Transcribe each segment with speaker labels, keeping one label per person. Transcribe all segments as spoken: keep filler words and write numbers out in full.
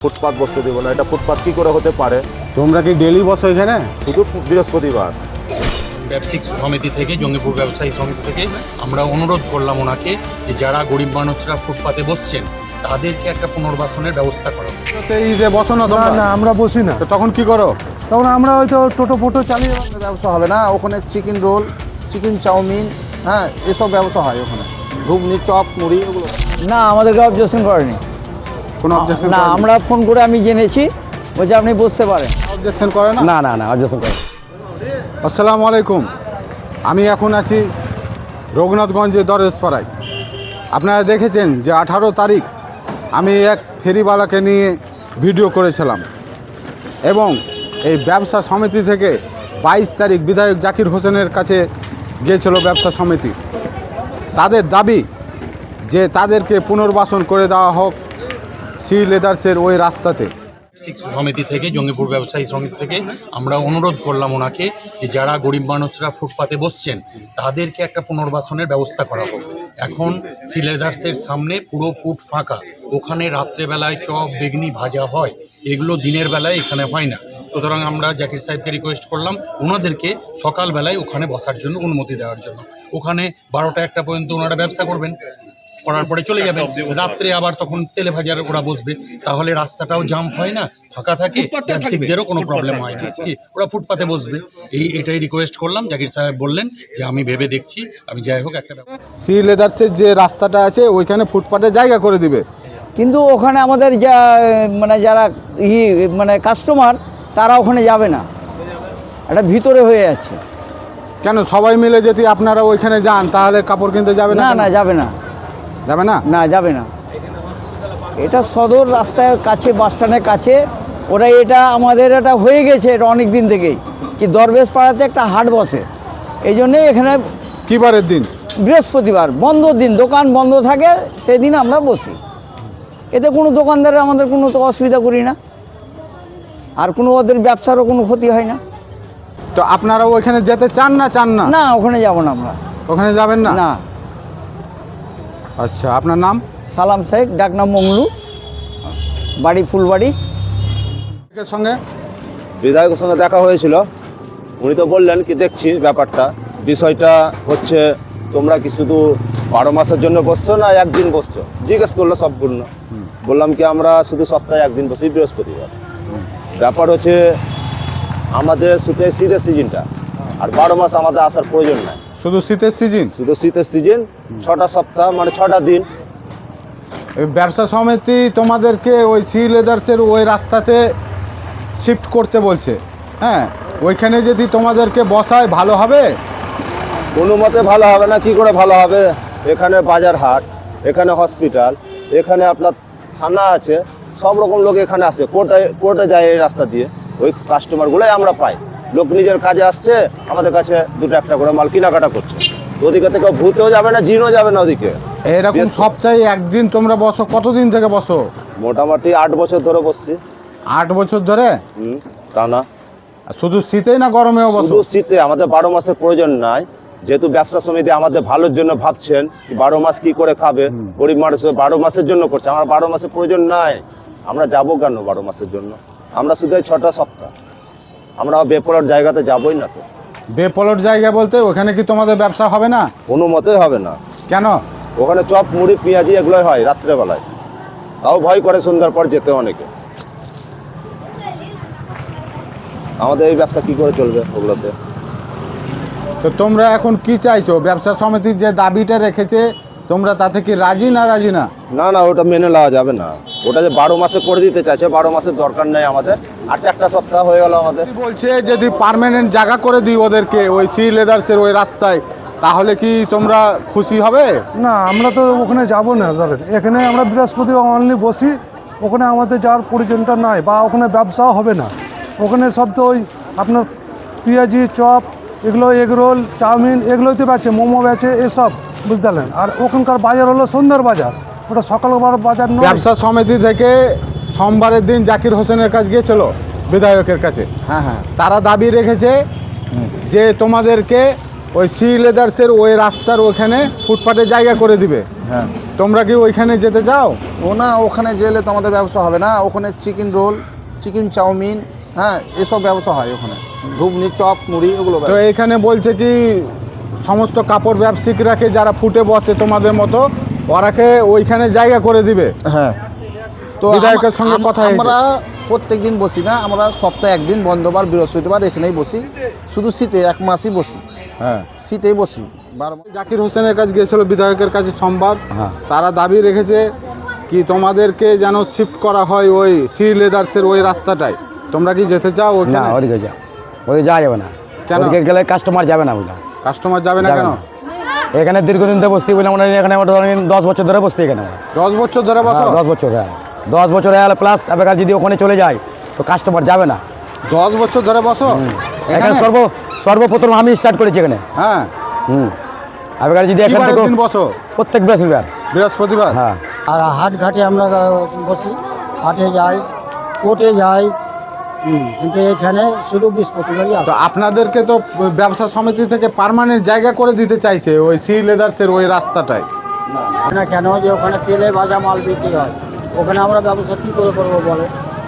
Speaker 1: ফুটপাত বসতে দেবো না। এটা ফুটপাত কি করে হতে পারে?
Speaker 2: তোমরা কি ডেলি বসো এখানে?
Speaker 1: শুধু বৃহস্পতিবার।
Speaker 3: ব্যবসায়িক সমিতি থেকে, জঙ্গিপুর ব্যবসায়ী সমিতি থেকে আমরা অনুরোধ করলাম ওনাকে যে যারা গরিব মানুষরা ফুটপাতে বসছেন তাদেরকে একটা পুনর্বাসনের ব্যবস্থা করা।
Speaker 2: এই যে বসো না
Speaker 4: না
Speaker 2: তোমরা?
Speaker 4: না আমরা বসি না।
Speaker 2: তো তখন কি করো?
Speaker 4: তখন আমরা হয়তো টোটো ফোটো চালিয়ে
Speaker 5: ব্যবসা হবে না ওখানে। চিকেন রোল, চিকেন চাউমিন, হ্যাঁ এসব ব্যবসা হয় ওখানে। ঘুগনি, চপ, মুড়ি এগুলো।
Speaker 6: না, আমাদেরকে অবজেকশন করেনি।
Speaker 2: কোনো অবজেকশন
Speaker 6: না, আমরা ফোন করে আমি জেনেছি, বলছে আপনি বুঝতে পারেন।
Speaker 2: অবজেকশন করে না?
Speaker 6: না না না অবজেকশন করে।
Speaker 2: আসসালামু আলাইকুম। আমি এখন আছি রঘুনাথগঞ্জের দরজপাড়ায়। আপনারা দেখেছেন যে আঠারো তারিখ আমি এক ফেরিওয়ালাকে নিয়ে ভিডিও করেছিলাম এবং এই ব্যবসা সমিতি থেকে বাইশ তারিখ বিধায়ক জাকির হোসেনের কাছে গিয়েছিল ব্যবসা সমিতি। তাদের দাবি যে তাদেরকে পুনর্বাসন করে দেওয়া হোক সি লেদার্সের ওই রাস্তাতে।
Speaker 3: সমিতি থেকে, জঙ্গিপুর ব্যবসায়ী সমিতি থেকে আমরা অনুরোধ করলাম ওনাকে যে যারা গরিব মানুষরা ফুটপাতে বসছেন তাদেরকে একটা পুনর্বাসনের ব্যবস্থা করা হোক। এখন সিলেদার্সের সামনে পুরো ফুট ফাঁকা, ওখানে রাত্রেবেলায় চপ বেগনি ভাজা হয়, এগুলো দিনের বেলায় এখানে হয় না। সুতরাং আমরা জাকির সাহেবকে রিকোয়েস্ট করলাম ওনাদেরকে সকালবেলায় ওখানে বসার জন্য অনুমতি দেওয়ার জন্য। ওখানে বারোটা একটা পর্যন্ত ওনারা ব্যবসা করবেন, করার পরে চলে যাবেন। রাত্রে আবার তখন তেলে ভাজার ওরা বসবে, তাহলে রাস্তাটাও জাম হয় না, ফাঁকা থাকে, ব্যবসায়িকদেরও কোনো প্রবলেম হয় না, কি ওরা ফুটপাতে বসবে। এই এটাই রিকোয়েস্ট করলাম। জাকির সাহেব বললেন যে আমি ভেবে দেখছি, আমি যাই হোক একটা।
Speaker 2: সি লেদার্সের যে রাস্তাটা আছে ওইখানে ফুটপাতে জায়গা করে দিবে,
Speaker 6: কিন্তু ওখানে আমাদের যা মানে যারা ই মানে কাস্টমার তারা ওখানে যাবে না, এটা ভিতরে হয়ে যাচ্ছে।
Speaker 2: কেন সবাই মিলে যদি আপনারা ওইখানে যান তাহলে কাপড় কিনতে যাবে না?
Speaker 6: না না যাবে না,
Speaker 2: যাবে না?
Speaker 6: না যাবে না। এটা সদর রাস্তার কাছে, বাস স্ট্যান্ডের কাছে। ওরা এটা আমাদের এটা হয়ে গেছে, এটা অনেক দিন থেকেই কি দরবেশ পাড়াতে একটা হাট বসে, এই জন্যেই এখানে
Speaker 2: কি বারের দিন?
Speaker 6: বৃহস্পতিবার বন্ধ দিন, দোকান বন্ধ থাকে, সেদিন আমরা বসি। এতে কোনো দোকানদারের আমাদের কোনো তো অসুবিধা করি না, আর কোনো ওদের ব্যবসারও কোনো ক্ষতি হয় না।
Speaker 2: তো আপনারা ওইখানে যেতে চান না? চান না?
Speaker 6: না, ওখানে যাব না আমরা।
Speaker 2: ওখানে যাবেন না?
Speaker 6: না।
Speaker 2: আচ্ছা, আপনার নাম?
Speaker 6: সালাম শেখ, ডাকনাম মংলু, বাড়ি ফুলবাড়ি।
Speaker 2: এর সঙ্গে
Speaker 1: বিধায়কের সঙ্গে দেখা হয়েছিল, উনি তো বললেন কি দেখছি ব্যাপারটা। বিষয়টা হচ্ছে তোমরা কি শুধু বারো মাসের জন্য বসছো না একদিন বসছো, জিজ্ঞেস করলো সম্পূর্ণ। বললাম কি আমরা শুধু সপ্তাহে একদিন বসি, বৃহস্পতিবার। ব্যাপার হচ্ছে আমাদের শুধু শীতের সিজনটা, আর বারো মাস আমাদের আসার প্রয়োজন নাই।
Speaker 2: শুধু শীতের সিজন?
Speaker 1: শুধু শীতের সিজন, ছটা সপ্তাহ মানে ছটা দিন।
Speaker 2: এই ব্যবসা সমিতি তোমাদেরকে ওই সি লেদার্সের ওই রাস্তাতে শিফট করতে বলছে। হ্যাঁ, ওইখানে যদি তোমাদেরকে বসায় ভালো হবে?
Speaker 1: কোনো মতে ভালো হবে না। কি করে ভালো হবে? এখানে বাজার হাট, এখানে হসপিটাল, এখানে আপনার থানা আছে, সব রকম লোক এখানে আসে। কোর্টে কোর্টে যায় এই রাস্তা দিয়ে। ওই কাস্টমারগুলোই আমরা পাই। লোক নিজের কাজে আসছে, আমাদের কাছে দুটো একটা করে মাল কেনাকাটা করছে। ওদিকে থেকে ভূতেও যাবে না, জিনও যাবে না ওদিকে।
Speaker 2: এরকম সপ্তাহে একদিন তোমরা বসো? কতদিন থেকে বসো?
Speaker 1: মোটামুটি আট বছর ধরে বসছি।
Speaker 2: আট বছর ধরে?
Speaker 1: হুম, তা না
Speaker 2: শুধু শীতেই না গরমেও বসো?
Speaker 1: শুধু শীতে। আমাদের বারো মাসের প্রয়োজন নাই, যেহেতু ব্যবসা সমিতি আমাদের ভালোর জন্য ভাবছেন। বারো মাস কি করে খাবে গরিব মানুষ, বারো মাসের জন্য করছে। আমার বারো মাসের প্রয়োজন নাই। আমরা যাবো কেন বারো মাসের জন্য? আমরা শুধু এই ছটা সপ্তাহ, আমরা বেপলার জায়গাতে যাবোই না। তো
Speaker 2: বেপলট জায়গা বলতে ওখানে কি তোমাদের ব্যবসা হবে না?
Speaker 1: কোনো মতেই হবে না।
Speaker 2: কেন?
Speaker 1: ওখানে চপ মুড়ি পেঁয়াজি এগুলোই হয় রাত্রেবেলায়, তাও ভয় করে সন্ধ্যার পর যেতে অনেকে। আমাদের এই ব্যবসা কি করে চলবে ওগুলোতে?
Speaker 2: তো তোমরা এখন কি চাইছো? ব্যবসা সমিতির যে দাবিটা রেখেছে তোমরা তাতে কি রাজি না? রাজি না?
Speaker 1: না না, ওটা মেনে নেওয়া যাবে না। ওটা যে বারো মাসে করে দিতে চাইছে, বারো মাসের দরকার নেই আমাদের। আর চারটা সপ্তাহ হয়ে গেল আমাদের।
Speaker 2: বলছে যদি পার্মানেন্ট জায়গা করে দিই ওদেরকে ওই সি লেদার্সের ওই রাস্তায়, তাহলে কি তোমরা খুশি হবে?
Speaker 4: না, আমরা তো ওখানে যাব না। ধরেন এখানে আমরা বৃহস্পতিবার অনলি বসি, ওখানে আমাদের যাওয়ার প্রয়োজনটা নাই, বা ওখানে ব্যবসাও হবে না। ওখানে সব তো ওই আপনার পেঁয়াজি, চপ, এগুলো এগরোল, চাউমিন এগুলোই তো বেচে, মোমো বেচে, এসব বুঝতে। আর ওখানকার বাজার হলো সন্ধ্যার বাজার, ওটা সকালবেলার বাজার নয়।
Speaker 2: ব্যবসা সমিতি থেকে সোমবারের দিন জাকির হোসেনের কাছে গিয়েছিল বিধায়কের কাছে।
Speaker 5: হ্যাঁ হ্যাঁ,
Speaker 2: তারা দাবি রেখেছে যে তোমাদেরকে ওই সি লেদার্সের ওই রাস্তার ওখানে ফুটপাতে জায়গা করে দিবে।
Speaker 5: হ্যাঁ
Speaker 2: তোমরা কি ওইখানে যেতে চাও?
Speaker 5: ও না, ওখানে গেলে তো আমাদের ব্যবসা হবে না। ওখানে চিকেন রোল, চিকেন চাউমিন, হ্যাঁ এসব ব্যবসা হয় ওখানে। ঘুগনি, চপ, মুড়ি এগুলো
Speaker 2: তো
Speaker 5: ব্যবসা।
Speaker 2: এখানে বলছে কি সমস্ত কাপড় ব্যবসায়িকরাকে যারা ফুটে বসে তোমাদের মতো ওরাকে ওইখানে জায়গা করে দিবে।
Speaker 5: হ্যাঁ, তো
Speaker 2: বিধায়কের
Speaker 5: আমা-
Speaker 2: সঙ্গে
Speaker 5: আম-
Speaker 2: কথা হয়েছে?
Speaker 5: আমরা প্রত্যেক দিন বসি না, আমরা সপ্তাহে একদিন বন্ধবার বৃহস্পতিবার এখানেই বসি। শুধু শীতে এক মাসই বসি,
Speaker 2: হ্যাঁ,
Speaker 5: শীতেই বসি বারবার।
Speaker 2: জাকির হোসেনের কাছে গিয়েছিল বিধায়কের কাছে সোমবার।
Speaker 6: হ্যাঁ।
Speaker 2: তারা দাবি রেখেছে কি তোমাদেরকে যেন শিফট করা হয় ওই সি লেদার্সের ওই রাস্তাটায়। তোমরা কি যেতে চাও
Speaker 6: না
Speaker 2: ওইখানে?
Speaker 6: ওদিকে যা ওদিকে যাওয়া যাবে না।
Speaker 2: কেন?
Speaker 6: ওদিকে গেলে কাস্টমার যাবে না বুঝলাম,
Speaker 2: কাস্টমার যাবে না
Speaker 6: যাবে
Speaker 2: কেন?
Speaker 6: না। এখানে দীর্ঘদিন ধরে বসছি বলে আমরা এখানে আমরা ধরেন দশ বছর ধরে বসছি এখানে আমরা।
Speaker 2: দশ বছর ধরে বসো?
Speaker 6: হ্যাঁ, দশ বছর হ্যাঁ দশ বছর হয়ে গেলে প্লাস এবার যদি ওখানে চলে যায় তো কাস্টমার যাবে না।
Speaker 2: দশ বছর ধরে বসো
Speaker 6: এখানে
Speaker 2: এখানে?
Speaker 6: সর্ব সর্বপ্রথম আমি স্টার্ট করেছি এখানে।
Speaker 2: হ্ঁ,
Speaker 6: হুম এবার যদি
Speaker 2: কি
Speaker 6: এখান
Speaker 2: বারের
Speaker 6: থেকে
Speaker 2: দিন বসো?
Speaker 6: প্রত্যেক বৃহস্পতিবার।
Speaker 2: বৃহস্পতিবার?
Speaker 6: হ্যাঁ
Speaker 7: আর হাট ঘাটে আমরা বসি, হাটে যাই, কোর্টে যাই, হুম, কিন্তু এখানে শুধু বৃহস্পতিবারই
Speaker 2: তো
Speaker 7: আসে।
Speaker 2: আপনাদেরকে তো ব্যবসা সমিতি থেকে পার্মানেন্ট জায়গা করে দিতে চাইছে ওই সি লেদার্সের ওই রাস্তাটায়।
Speaker 7: না কেন, যে ওখানে তেলে ভাজা মাল বিক্রি হয়, ওখানে আমরা ব্যবসা কী করে করবো বলে।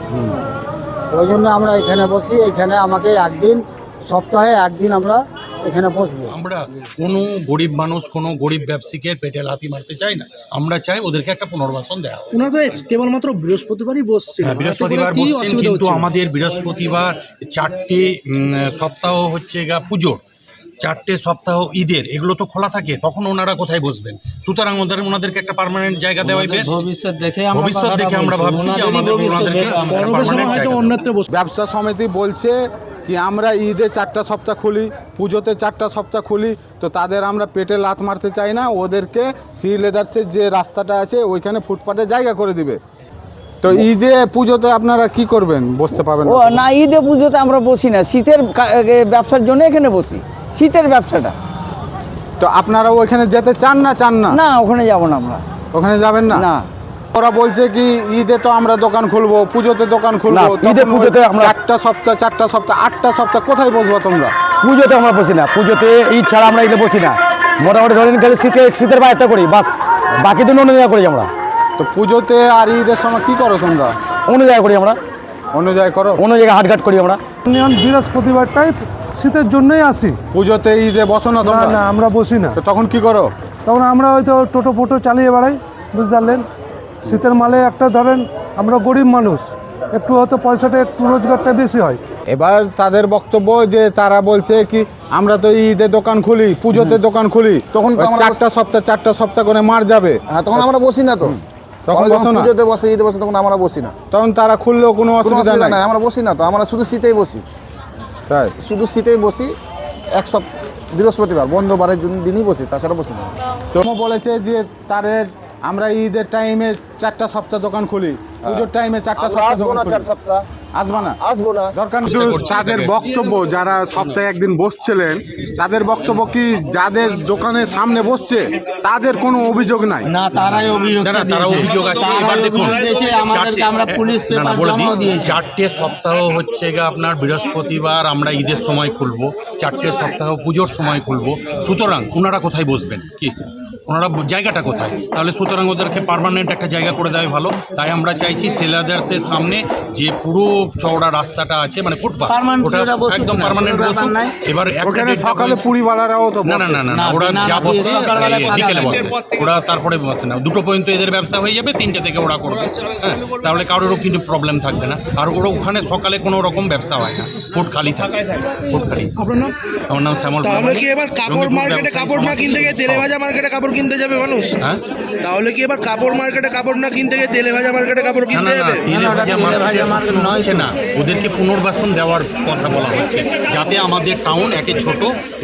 Speaker 7: ওই জন্য আমরা এখানে বসি। এখানে আমাকে একদিন, সপ্তাহে একদিন আমরা এখানে বসবো।
Speaker 3: আমরা কোনো গরিব মানুষ, কোনো গরিব ব্যবসায়ীকে পেটে লাথি মারতে চাই না। আমরা চাই ওদেরকে একটা পুনর্বাসন দেওয়া হোক।
Speaker 8: ওনারা তো কেবলমাত্র বৃহস্পতিবারই বসছে।
Speaker 3: হ্যাঁ, বৃহস্পতিবার বসছেন, কিন্তু আমাদের বৃহস্পতিবার চারটে উম, সপ্তাহ হচ্ছে গা পুজোর, চারটে সপ্তাহ ঈদের, এগুলো তো খোলা থাকে, তখন ওনারা কোথায় বসবেন? সুতরাং ওদের ওনাদেরকে একটা পার্মানেন্ট জায়গা দেওয়াই বেশ।
Speaker 8: ভবিষ্যৎ দেখে
Speaker 3: ভবিষ্যৎ দেখে আমরা ভাবছি যে আমাদের ওনাদেরকে পার্মানেন্ট জায়গা দেওয়া।
Speaker 8: অন্যত্র বসবে।
Speaker 2: ব্যবসা সমিতি বলছে কি আমরা ঈদে চারটা সপ্তাহ খুলি, পুজোতে চারটা সপ্তাহ খুলি, তো তাদের আমরা পেটে লাথ মারতে চাই না। ওদেরকে সি লেদার্সের যে রাস্তাটা আছে ওইখানে ফুটপাতে জায়গা করে দিবে। তো ঈদে পুজোতে আপনারা কি করবেন? বসতে পারবেন
Speaker 6: ও
Speaker 2: না?
Speaker 6: না, ঈদে পুজোতে আমরা বসি না, শীতের কা- এ, ব্যবসার জন্য এখানে বসি, শীতের ব্যবসাটা।
Speaker 2: তো আপনারা ওইখানে যেতে চান না চান না?
Speaker 6: না ওখানে যাব না আমরা।
Speaker 2: ওখানে যাবেন না?
Speaker 6: না
Speaker 2: ওরা বলছে কি ঈদে তো আমরা দোকান খুলবো, পুজোতে দোকান খুলবো,
Speaker 6: না, ঈদে
Speaker 2: তখন ওই
Speaker 6: পুজোতে আমরা-
Speaker 2: চারটা সপ্তাহ চারটা সপ্তাহ আটটা সপ্তাহ কোথায় বসবো তোমরা?
Speaker 6: পুজোতে আমরা বসি না, পুজোতে ঈদ ছাড়া আমরা এখানে বসি না। মোটামুটি ধরেন খালি শীতে শীতের বাইরটা করি বাস, বাকি দিন অন্য জায়গা করি আমরা।
Speaker 2: তো পুজোতে আর ঈদের সময় কি করো তোমরা?
Speaker 6: অন্য জায়গা করি আমরা,
Speaker 2: অন্য জায়গায় করো?
Speaker 6: অন্য জায়গায় হাটঘাট করি আমরা।
Speaker 4: ইউনিয়ন বৃহস্পতিবারটাই শীতের জন্যই আসি।
Speaker 2: পুজোতে ঈদে বসো না
Speaker 4: না
Speaker 2: তোমরা?
Speaker 4: না আমরা বসি না।
Speaker 2: তো তখন কি করো?
Speaker 4: তখন আমরা হয়তো টোটো ফোটো চালিয়ে বেড়াই, বুঝতে পারলেন। শীতের মালে একটা ধরেন আমরা গরিব মানুষ, একটু হয়তো পয়সাটা একটু রোজগারটা বেশি হয়।
Speaker 2: এবার তাদের বক্তব্য যে তারা বলছে কি আমরা তো ঈদে দোকান খুলি, পুজোতে দোকান খুলি,
Speaker 5: তখন তো
Speaker 2: ওই
Speaker 5: আমরা
Speaker 2: চারটা সপ্তাহ চারটা সপ্তাহ করে মার যাবে,
Speaker 5: হ্যাঁ, তখন আমরা বসি না। তো
Speaker 2: তখন
Speaker 5: আমরা যখন
Speaker 2: বসো না?
Speaker 5: পুজোতে বসে, ঈদে বসে, তখন আমরা বসি না।
Speaker 2: তখন তারা খুললেও কোনো
Speaker 5: কোনো
Speaker 2: অসুবিধা
Speaker 5: অসুবিধা
Speaker 2: নাই?
Speaker 5: নাই, আমরা বসি না। তো আমরা শুধু শীতেই বসি,
Speaker 2: তাই?
Speaker 5: শুধু শীতেই বসি। এক সপ্তাহ বৃহস্পতিবার বন্ধবারের জন্য দিনই বসি, তাছাড়া বসি না।
Speaker 2: তো বলেছে যে তাদের আমরা ঈদের টাইমে চারটা সপ্তাহ দোকান খুলি, পুজোর টাইমে চারটা
Speaker 1: আমরা
Speaker 2: সপ্তাহ
Speaker 1: আসবো
Speaker 2: দোকান
Speaker 1: না
Speaker 2: খুলি।
Speaker 1: চার সপ্তাহ,
Speaker 2: আসবা না?
Speaker 1: আসবো না।
Speaker 2: দরকার নেই।
Speaker 3: চেষ্টা করছি
Speaker 2: তাদের
Speaker 3: এটাকে।
Speaker 2: বক্তব্য যারা সপ্তাহে একদিন বসছিলেন তাদের বক্তব্য কি যাদের দোকানের সামনে বসছে তাদের কোনো অভিযোগ নাই?
Speaker 8: না, তারাই অভিযোগ
Speaker 3: না না, তারা অভিযোগ আছে। এবার দেখুন,
Speaker 8: আমাদেরকে আমরা পুলিশ
Speaker 3: চারটে- না, না,
Speaker 8: পেপার
Speaker 3: বলে
Speaker 8: জমা
Speaker 3: দিই,
Speaker 8: দিয়েছি।
Speaker 3: চারটে সপ্তাহ হচ্ছে গা আপনার বৃহস্পতিবার আমরা ঈদের সময় খুলবো, চারটে সপ্তাহ পুজোর সময় খুলবো। সুতরাং ওনারা কোথায় বসবেন? কি ওনারা জায়গাটা কোথায়? তাহলে সুতরাং ওদেরকে পার্মানেন্ট একটা জায়গা করে দেওয়াই ভালো। তাই আমরা চাইছি সেলাদার্সের সামনে যে পুরো চওড়া রাস্তাটা আছে, মানে ফুটপাথ,
Speaker 8: Permanent
Speaker 3: ওটা
Speaker 8: ওরা বসুক
Speaker 3: একদম
Speaker 8: না,
Speaker 3: পার্মানেন্ট
Speaker 8: কোনো ব্যাপার
Speaker 3: বসুক।
Speaker 8: নাই।
Speaker 3: এবার একটা
Speaker 2: ওখানে
Speaker 3: দেড়টা
Speaker 2: সকালে
Speaker 3: পর্যন্ত-
Speaker 2: পুরিওয়ালারাও তো
Speaker 3: না না
Speaker 2: বসে।
Speaker 3: না না না,
Speaker 8: না,
Speaker 3: ওরা
Speaker 8: না,
Speaker 3: যা
Speaker 8: না,
Speaker 3: বসে
Speaker 8: সকালবেলা
Speaker 3: এই,
Speaker 8: পাঁচ
Speaker 3: বিকেলে
Speaker 8: আলাদা।
Speaker 3: বসে, ওরা তারপরে বসে না। দুটো পর্যন্ত এদের ব্যবসা হয়ে যাবে, তিনটে থেকে ওরা করবে। হ্যাঁ, তাহলে কারোরও কিন্তু প্রবলেম থাকবে না। আর ওরা ওখানে সকালে কোনো রকম ব্যবসা হয় না, ফুট খালি থাকে, ফুট খালি।
Speaker 8: আপনার নাম?
Speaker 3: আমার নাম শ্যামল
Speaker 9: তাহলে
Speaker 3: প্রামাণিক।
Speaker 9: কি এবার কাপড়
Speaker 3: জঙ্গিপুর
Speaker 9: মার্কেটে
Speaker 3: ব্যবসায়ী
Speaker 9: কাপড় না
Speaker 3: সমিতি।
Speaker 9: কিনতে গিয়ে তেলে ভাজা মার্কেটে কাপড় কিনতে যাবে মানুষ?
Speaker 3: হ্যাঁ,
Speaker 9: তাহলে কি এবার কাপড় মার্কেটে কাপড় না কিনতে গিয়ে তেলে ভাজা মার্কেটে কাপড়
Speaker 3: না
Speaker 9: কিনতে
Speaker 3: না না,
Speaker 9: যাবে?
Speaker 3: তেলে
Speaker 8: না, ওটা
Speaker 3: ভাজা
Speaker 8: তেলে
Speaker 3: মার্কেটে
Speaker 8: ভাজা মার্কেট
Speaker 3: বাসন
Speaker 8: নয়
Speaker 3: হচ্ছে
Speaker 8: তো।
Speaker 3: না, ওদেরকে পুনর্বাসন দেওয়ার কথা বলা হচ্ছে, যাতে আমাদের টাউন একে ছোট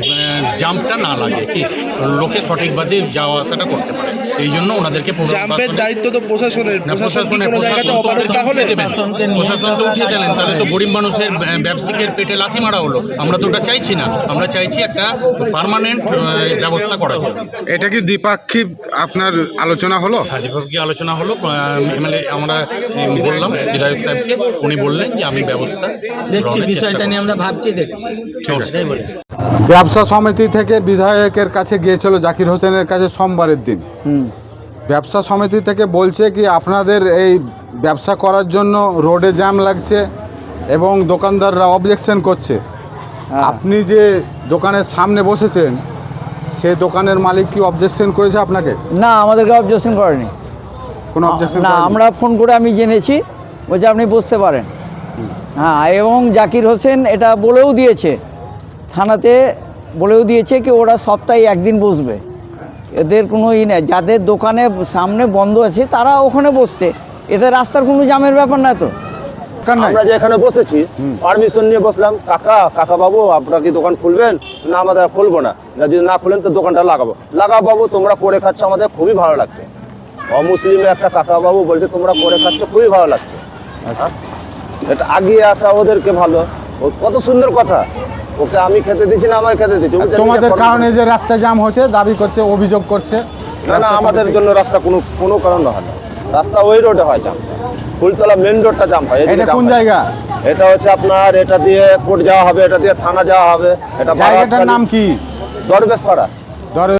Speaker 3: জাম্পটা না লাগে, কি লোকে সঠিকভাবে যাওয়া আসাটা করতে পারে। এই জন্য ওনাদেরকে
Speaker 9: জাম্পের
Speaker 3: পুনর্বাসন।
Speaker 9: দায়িত্ব তো প্রশাসনের।
Speaker 3: না,
Speaker 9: প্রশাসন কি
Speaker 3: প্রশাসনের
Speaker 9: কোনো জায়গাতে
Speaker 3: প্রশাসন তো
Speaker 9: অপারগ
Speaker 3: ওদেরকে
Speaker 9: তাহলে?
Speaker 3: উঠিয়ে দেবেন।
Speaker 8: প্রশাসনকে নিয়ে
Speaker 3: প্রশাসন তো উঠিয়ে দিলেন, তাহলে তো গরিব মানুষের ব্যা- ব্যবসায়ীদের পেটে লাথি মারা হলো। আমরা তো ওটা চাইছি না, আমরা চাইছি একটা পার্মানেন্ট ব্যবস্থা করার জন্য।
Speaker 2: এটা কি দ্বিপাক্ষিক আপনার আলোচনা হলো?
Speaker 3: হাজিপুরকে আলোচনা হলো, এমএলএ আমরা এম, বললাম বিধায়ক সাহেবকে, উনি বললেন যে আমি ব্যবস্থা
Speaker 8: দেখছি,
Speaker 3: গ্রহণের চেষ্টা
Speaker 8: বিষয়টা নিয়ে
Speaker 3: করছি।
Speaker 8: আমরা ভাবছি, দেখছি। সেটাই বলেছি।
Speaker 2: ব্যবসা সমিতি থেকে বিধায়কের কাছে গিয়েছিল জাকির হোসেনের কাছে সোমবারের দিন।
Speaker 6: হুম
Speaker 2: ব্যবসা সমিতি থেকে বলছে কি আপনাদের এই ব্যবসা করার জন্য রোডে জ্যাম লাগছে এবং দোকানদাররা অবজেকশন করছে। আপনি যে দোকানের সামনে বসেছেন সে দোকানের মালিক কি অবজেকশন করেছে আপনাকে?
Speaker 6: না, আমাদেরকে অবজেকশন করেনি।
Speaker 2: কোনো অবজেকশন
Speaker 6: না, আমরা ফোন করে আমি জেনেছি, বলছে আপনি বসতে পারেন। হ্যাঁ, এবং জাকির হোসেন এটা বলেও দিয়েছে, থানাতে বলেও দিয়েছে কি ওরা সপ্তাহে একদিন বসবে, এদের কোনো ই নেই। যাদের দোকানে সামনে বন্ধ আছে তারা ওখানে বসছে, এতে রাস্তার কোনো জামের ব্যাপার না তো।
Speaker 1: আমরা যে এখানে বসেছি পারমিশন নিয়ে বসলাম, কাকা কাকা বাবু আপনারা কি দোকান খুলবেন? না, আমাদের আর খুলবো না, যদি না খুলেন তো দোকানটা লাগাবো। লাগাও বাবু, তোমরা করে খাচ্ছ, আমাদের খুবই ভালো লাগছে। অমুসলিমের একটা কাকা বাবু বলছে তোমরা করে খাচ্ছ, খুবই ভালো লাগছে। হ্যাঁ, এটা আগিয়ে আসা ওদেরকে ভালো, ও কত সুন্দর কথা। ওকে আমি খেতে দিচ্ছি না, আমায় খেতে দিচ্ছি।
Speaker 2: তোমাদের কারণে যে রাস্তা জ্যাম হচ্ছে দাবি করছে, অভিযোগ করছে।
Speaker 1: না না, আমাদের জন্য রাস্তা কোনো কোনো কারণে হয় না, রাস্তা ওই রোডে হয় জাম, ফুলতলা মেন রোডটা জাম হয়।
Speaker 2: এটা কোন জায়গা?
Speaker 1: এটা হচ্ছে আপনার, এটা দিয়ে কোর্ট যাওয়া হবে, এটা দিয়ে থানা যাওয়া হবে। এটা
Speaker 2: জায়গাটার নাম কি?
Speaker 1: দরবেশ পাড়া।
Speaker 2: ধরে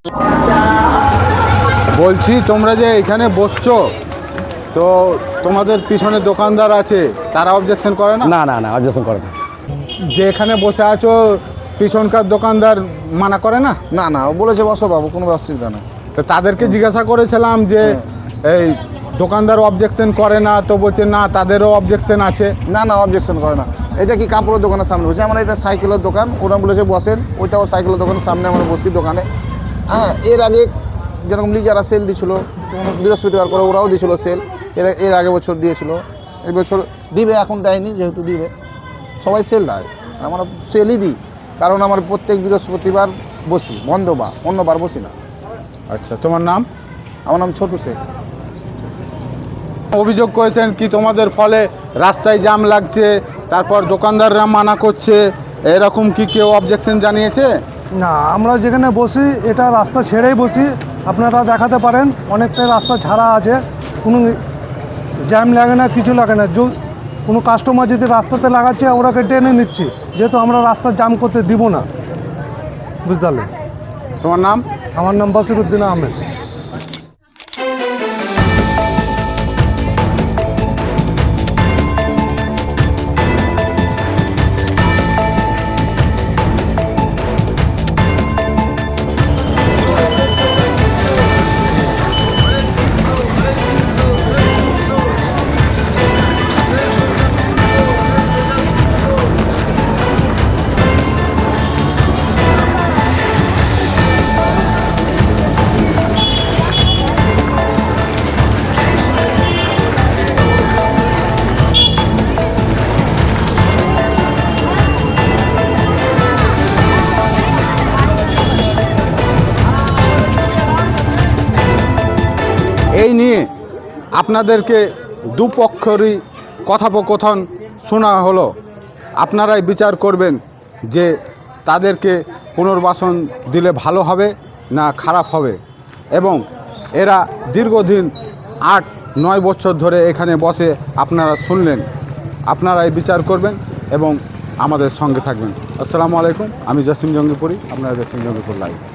Speaker 2: বলছি তোমরা যে এখানে বসছো, তো তোমাদের পিছনে দোকানদার আছে, তারা অবজেকশন করে না?
Speaker 6: না না না, অবজেকশন করে না।
Speaker 2: যে এখানে বসে আছো পিছনকার দোকানদার মানা করে না?
Speaker 5: না না, ও বলেছে বসো বাবু, কোনো অসুবিধা নেই।
Speaker 2: তো তাদেরকে জিজ্ঞাসা করেছিলাম যে এই দোকানদার অবজেকশন করে না, তো বলছে না তাদেরও অবজেকশন আছে।
Speaker 5: না না, অবজেকশন করে না। এটা কি কাপড়ের দোকানের সামনে বসে, আমরা এটা সাইকেলের দোকান, ওরা বলেছে বসেন, ওইটাও সাইকেলের দোকানের সামনে আমরা বসি দোকানে। হ্যাঁ, এর আগে যেরকম লিজারা সেল দিছিল, বৃহস্পতিবার করে ওরাও দিয়েছিল সেল, এর এর আগে বছর দিয়েছিল, এই বছর দিবে, এখন দেয়নি, যেহেতু দিবে সবাই সেল দেয়, আমরা সেলই দিই, কারণ আমার প্রত্যেক বৃহস্পতিবার বসি, বন্ধ বা অন্যবার বসি না।
Speaker 2: আচ্ছা, তোমার নাম?
Speaker 5: আমার নাম ছোটু শেখ।
Speaker 2: অভিযোগ করেছেন কি তোমাদের ফলে রাস্তায় জ্যাম লাগছে, তারপর দোকানদাররা মানা করছে, এরকম কি কেউ অবজেকশন জানিয়েছে?
Speaker 4: না, আমরা যেখানে বসি এটা রাস্তা ছেড়েই বসি, আপনারা দেখাতে পারেন অনেকটাই রাস্তা ছাড়া আছে, কোনো জ্যাম লাগে না, কিছু লাগে না। जो কোনো কাস্টমার যদি রাস্তাতে লাগাচ্ছে ওরাকে টেনে নিচ্ছি, যেহেতু আমরা রাস্তা জাম করতে দিব না, বুঝতে পারলেন?
Speaker 2: তোমার নাম?
Speaker 4: আমার নাম বসিরউদ্দিন আহমেদ।
Speaker 2: এই নিয়ে আপনাদেরকে দুপক্ষেরই কথোপকথন শোনা হলো, আপনারাই বিচার করবেন যে তাদেরকে পুনর্বাসন দিলে ভালো হবে না খারাপ হবে। এবং এরা দীর্ঘদিন আট নয় বছর ধরে এখানে বসে, আপনারা শুনলেন, আপনারাই বিচার করবেন এবং আমাদের সঙ্গে থাকবেন। আসসালামু আলাইকুম, আমি জসিম জঙ্গিপুরি, আপনারা দেখছেন জঙ্গিপুর লাইভ।